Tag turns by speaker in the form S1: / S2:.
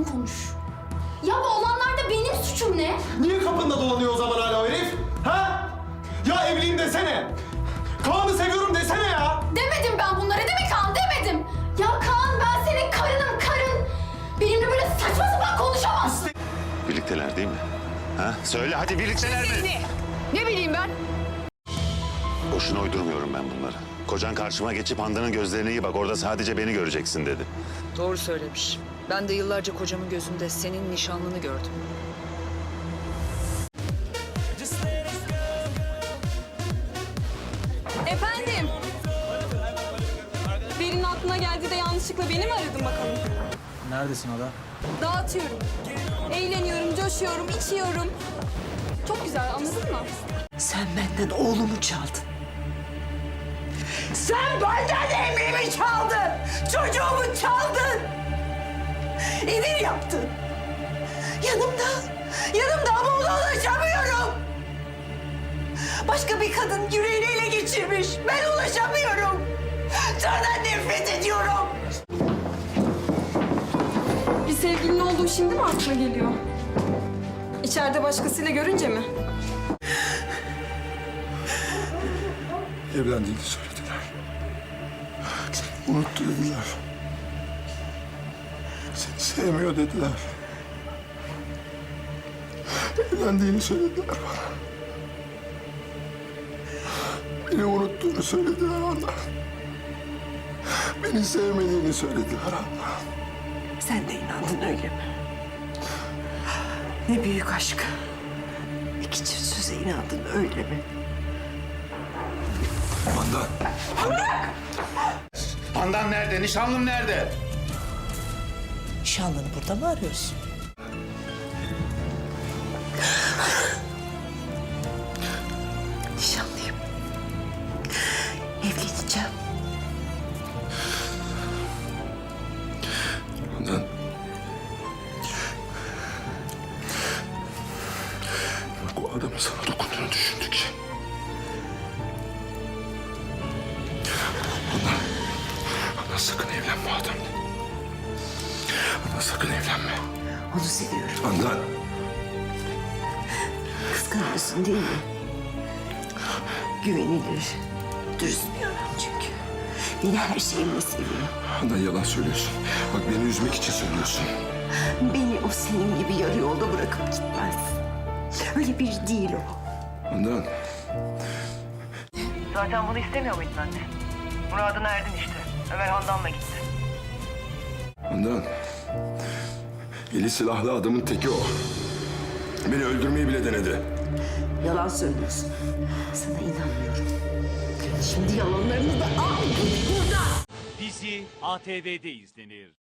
S1: düzgün konuş. Ya bu olanlarda benim suçum ne?
S2: Niye kapında dolanıyor o zaman hala o herif? Ha? Ya evliyim desene. Kaan'ı seviyorum desene ya.
S1: Demedim ben bunları değil mi Kaan? Demedim. Ya Kaan ben senin karınım karın. Benimle böyle saçma sapan konuşamazsın.
S3: Birlikteler değil mi? Ha? Söyle hadi birlikteler mi?
S4: Ne bileyim ben?
S3: Boşuna uydurmuyorum ben bunları. Kocan karşıma geçip Handan'ın gözlerine iyi bak, orada sadece beni göreceksin dedi.
S4: Doğru söylemiş. Ben de yıllarca kocamın gözünde senin nişanlını gördüm.
S5: Efendim? Birinin aklına geldi de yanlışlıkla beni mi aradın bakalım?
S6: Neredesin Ada?
S5: Dağıtıyorum. Eğleniyorum, coşuyorum, içiyorum. Çok güzel, anladın mı?
S7: Sen benden oğlumu çaldın. Sen benden emeğimi çaldın. Çocuğumu çaldın. Emir yaptın. Yanımda ama ona ulaşamıyorum. Başka bir kadın yüreğini ele geçirmiş. Ben ulaşamıyorum. Senden nefret ediyorum.
S5: Bir sevgilin olduğu şimdi mi aklına geliyor? İçeride başkasıyla görünce mi?
S2: Evlendiğini söylediler. Seni unuttu dediler. Seni sevmiyor dediler. Evlendiğini söylediler bana. Beni unuttuğunu söylediler ona. Beni sevmediğini söylediler ona.
S7: Sen de inandın öyle mi? Ne büyük aşk. İki çift söze inandın öyle mi?
S2: Handan.
S3: Handan nerede? Nişanlım nerede?
S7: Nişanlını burada mı arıyorsun? Nişanlıyım. Evleneceğim.
S2: Handan. Bak o adamın sana dokunduğunu düşündükçe. Handan sakın evlenme o adamla. Handan sakın evlenme.
S7: Onu seviyorum.
S2: Handan.
S7: Kıskanıyorsun değil mi? Güvenilir, dürüst bir adam çünkü. Beni her şeyimle seviyor.
S2: Handan yalan söylüyorsun. Bak beni üzmek için söylüyorsun.
S7: Beni o senin gibi yarı yolda bırakıp gitmez. Öyle biri değil o.
S2: Handan.
S8: Zaten bunu istemiyor muydun anne? Muradına erdin işte. Ömer Handan'la gitti.
S2: Handan. Eli silahlı adamın teki o. Beni öldürmeyi bile denedi.
S7: Yalan söylüyorsun. Sana inanmıyorum. Şimdi yalanlarını da al. Burada.
S9: Dizi ATV'de izlenir.